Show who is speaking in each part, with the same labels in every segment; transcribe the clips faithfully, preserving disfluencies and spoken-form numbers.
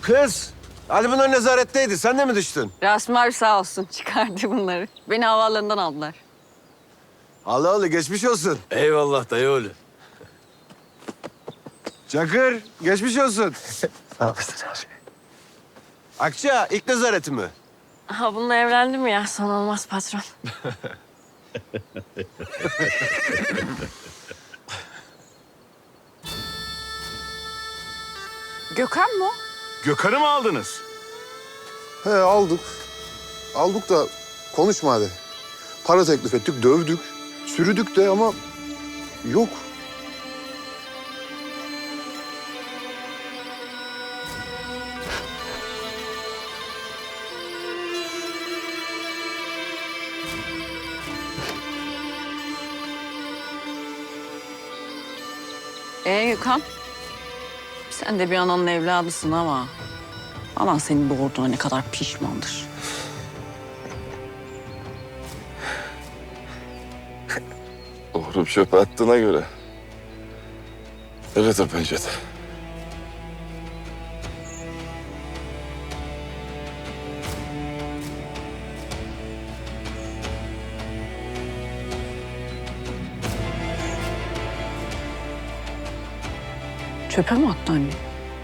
Speaker 1: Kız, Ali bunlar nezaretteydi. Sen de mi düştün?
Speaker 2: Rasmi abi sağ olsun çıkardı bunları. Beni havaalanından aldılar.
Speaker 1: Allah Allah, geçmiş olsun.
Speaker 3: Eyvallah dayı oğlu.
Speaker 1: Çakır, geçmiş olsun.
Speaker 3: Ne yapıyorsun abi?
Speaker 1: Akça, ilk nezareti mi?
Speaker 2: Ha bununla evlendim ya. Son olmaz patron. Gökhan mı o?
Speaker 3: Gökhan'ı mı aldınız?
Speaker 4: He aldık. Aldık da konuşma hadi. Para teklif ettik, dövdük. Sürüdük de ama yok.
Speaker 2: Ee Gökhan? Sen de bir ananın evladısın ama... Anan seni doğurduğuna ne kadar pişmandır.
Speaker 5: Doğru çöpe attığına göre. Evet o pencere.
Speaker 2: Çöpe mi attı anne?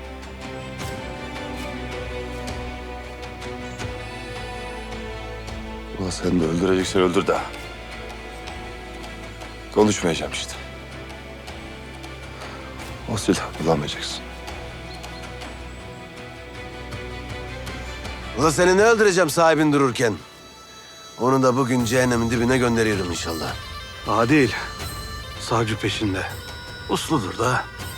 Speaker 5: Ulan sen de öldüreceksen öldür de. Konuşmayacağım işte. O silahı kullanmayacaksın.
Speaker 1: Ulan seni ne öldüreceğim sahibin dururken? Onu da bugün cehennemin dibine gönderiyorum inşallah.
Speaker 3: Adil. Savcı peşinde. Usludur da.